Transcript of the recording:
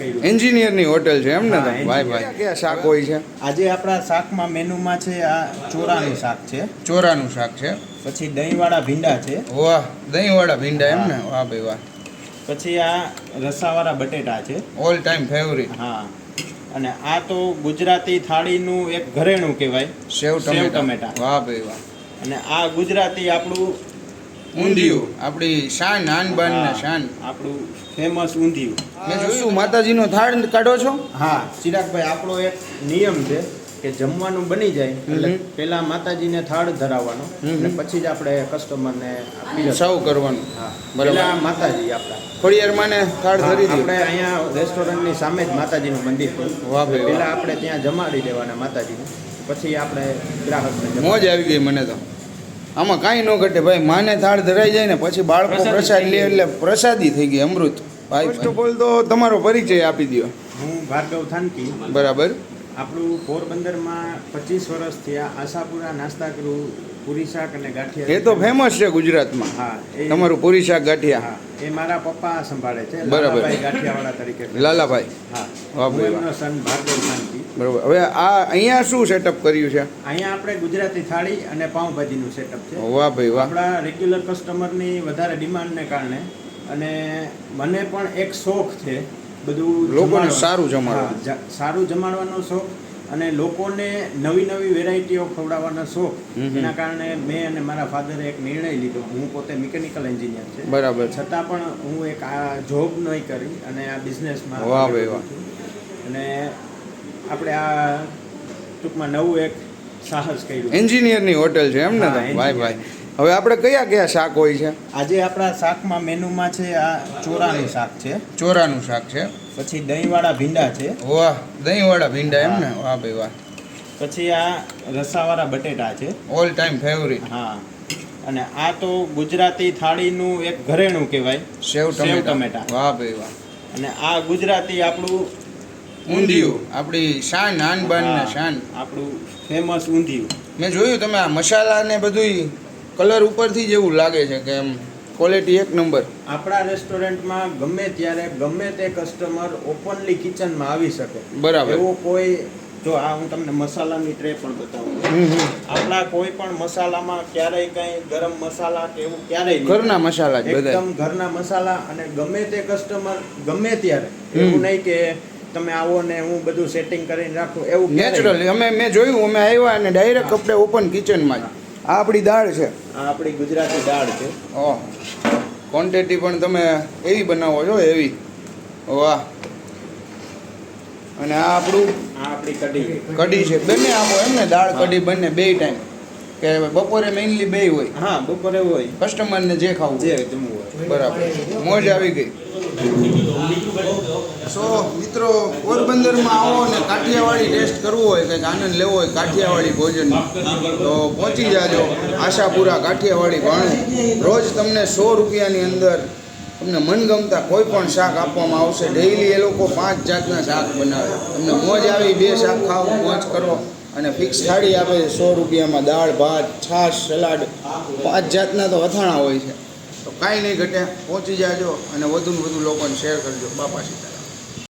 કર્યું. એન્જિનિયરની હોટેલ છે એમ ને? હા, ભાઈ ભાઈ કયા શાક હોય છે? આજે આપણા શાકમાં મેનુમાં છે આ ચોરાનું શાક છે, ચોરાનું શાક છે, પછી દહીંવાળા ભીંડા છે, વાહ દહીંવાળા ભીંડા એમ ને? વાહ ભાઈ વાહ. પછી આ રસાવાળા બટેટા છે, ઓલ ટાઈમ ફેવરિટ. હા. અને આ તો ગુજરાતી થાળીનું એક ઘરેણું કહેવાય, સેવ સેવ ટમેટા. ટમેટા. વાહ ભાઈ વાહ. અને આ ગુજરાતી આપણું ઊંધિયું, આપણી શાન આન બાન ને હા, શાન. આપણું ફેમસ ઊંધિયું. મેં જોયું માતાજીનો થાળ કાઢો છો? હા ચિરાગભાઈ, આપણો એક નિયમ છે કે જમવાનું બની જાય એટલે પેલા માતાજીને થાળ ધરાવવાનો અને પછી જ આપણે કસ્ટમરને સર્વ કરવાનું. હા, બરાબર. પેલા માતાજી આપણા ખોડિયારમાંને થાળ ધરી દીધો. આપણે અહીંયા રેસ્ટોરન્ટની સામે જ માતાજીનું મંદિર છે. વાહ ભાઈ વાહ. પેલા આપણે ત્યાં જમાડી દેવાના માતાજીને, પછી આપણે ગ્રાહકને જમાડી. મોજ આવી ગઈ મને તો. આમાં કાંઈ ન ઘટે ભાઈ, માને થાળ ધરાઈ જાય ને પછી બાળકો પ્રસાદ લે એટલે પ્રસાદી થઈ ગઈ, અમૃત. ભાઈ ફર્સ્ટ ઓફ ઓલ તો તમારો પરિચય આપી દો. હું ભાર્ગવ થાનકી. બરાબર. આપણું પોરબંદરમાં 25 વર્ષથી આ આશાપુરા નાસ્તા ગૃહ પૂરી શાક અને ગાંઠિયા એ તો ફેમસ છે ગુજરાતમાં. હા, તમારું પૂરી શાક ગાંઠિયા. હા, એ મારા પપ્પા સંભાળે છે, બરાબર. લાલાભાઈ ગાંઠિયાવાળા તરીકે. લાલાભાઈ. હા, વાહ હું ભાઈ વાહ. એમનો સન ભાર્ગવ થાનકી. બરાબર. હવે આ અહીંયા શું સેટઅપ કર્યું છે? અહીંયા આપણે ગુજરાતી થાળી અને પાઉંભાજીનું સેટઅપ છે. વાહ ભાઈ વાહ. આપણા રેગ્યુલર કસ્ટમરની વધારે ડિમાન્ડને કારણે અને મને પણ એક શોખ છે બધું લોકોને જમાડવાનો. સારું જમાડવાનું. હા, સારું જમાડવાનો શોખ અને લોકોને નવી નવી વેરાયટીઓ ખવડાવવાનો શોખ. એના કારણે મેં અને મારા ફાધરે એક નિર્ણય લીધો. હું પોતે મિકેનિકલ એન્જિનિયર છે, બરાબર. છતાં પણ હું એક આ જોબ નહીં કરી અને આ બિઝનેસમાં. વાહ ભાઈ વાહ. અને આપણે આ ટૂંકમાં નવું એક સાહસ કર્યું. એન્જિનિયરની હોટેલ છે એમ ને? હા, ભાઈ engineer. ભાઈ. હવે આપણે કયા કયા શાક હોય છે? આજે આપણા શાકમાં મેનુમાં છે આ ચોરાનું શાક છે, ચોરાનું શાક છે, પછી દહીંવાળા ભીંડા છે, વાહ દહીંવાળા ભીંડા એમ ને? વાહ ભાઈ વાહ. પછી આ રસાવાળા બટેટા છે, ઓલ ટાઈમ ફેવરિટ. હા. અને આ તો ગુજરાતી થાળીનું એક ઘરેણું કહેવાય, સેવ સેવ ટમેટા. ટમેટા. વાહ ભાઈ વાહ. અને આ ગુજરાતી આપણું ઊંધિયું, આપણી શાન આન બાન ને હા, શાન. આપણું ફેમસ ઊંધિયું. મેં જોયું તમે આ મસાલા ને બધું કલર ઉપરથી જ એવું લાગે છે કે એમ ક્વોલિટી એક નંબર. આપણા રેસ્ટોરન્ટમાં ગમે ત્યારે ગમે તે કસ્ટમર ઓપનલી કિચનમાં આવી શકે. બરાબર. એવો કોઈ, જો આ હું તમને મસાલાની ટ્રે પણ બતાવું. આપણા કોઈ પણ મસાલામાં ક્યારેય કંઈ ગરમ મસાલા કે એવું ક્યારેય નહીં. ઘરના મસાલા જ બધા. એકદમ ઘરના મસાલા. અને ગમે તે કસ્ટમર ગમે ત્યારે, એવું નહીં કે તમે આવો ને હું બધું સેટિંગ કરીને રાખું, એવું ક્યારેય નહીં. નેચરલી મેં જોયું, અમે આવ્યા અને ડાયરેક્ટ આપણે ઓપન કિચનમાં જ. આ આપણી દાળ છે. આ આપણી ગુજરાતી દાળ છે. ઓહ, ક્વોન્ટિટી પણ તમે એવી બનાવો છો, એવી. વાહ. અને આ આપણું આ આપણી કઢી. કઢી છે. બંને આપો એમ ને? દાળ કઢી બંને, બે ટાઈમ કે બપોરે મેઇનલી બે હોય? હા, બપોરે હોય, કસ્ટમરને જે ખાવું જે જમવું હોય. બરાબર. મોજ આવી ગઈ. સો મિત્રો, પોરબંદરમાં આવો ને કાઠિયાવાડી ટેસ્ટ કરવું હોય, કંઈક આનંદ લેવો હોય કાઠિયાવાડી ભોજન, તો પહોંચી જાજો આશાપુરા કાઠિયાવાડી ભાણું. રોજ તમને 100 રૂપિયાની અંદર તમને મનગમતા કોઈ પણ શાક આપવામાં આવશે. ડેઈલી એ લોકો 5 જાતના શાક બનાવે. તમને મોજ આવી, 2 શાક ખાઓ, મોજ કરો. અને ફિક્સ થાળી આપે છે 100 રૂપિયામાં. દાળ ભાત છાશ સલાડ 5 જાતના તો અથાણા હોય છે. તો કાંઈ નહીં ઘટે, પહોંચી જાજો અને વધુને વધુ લોકોને શેર કરજો. બાપા સીતા.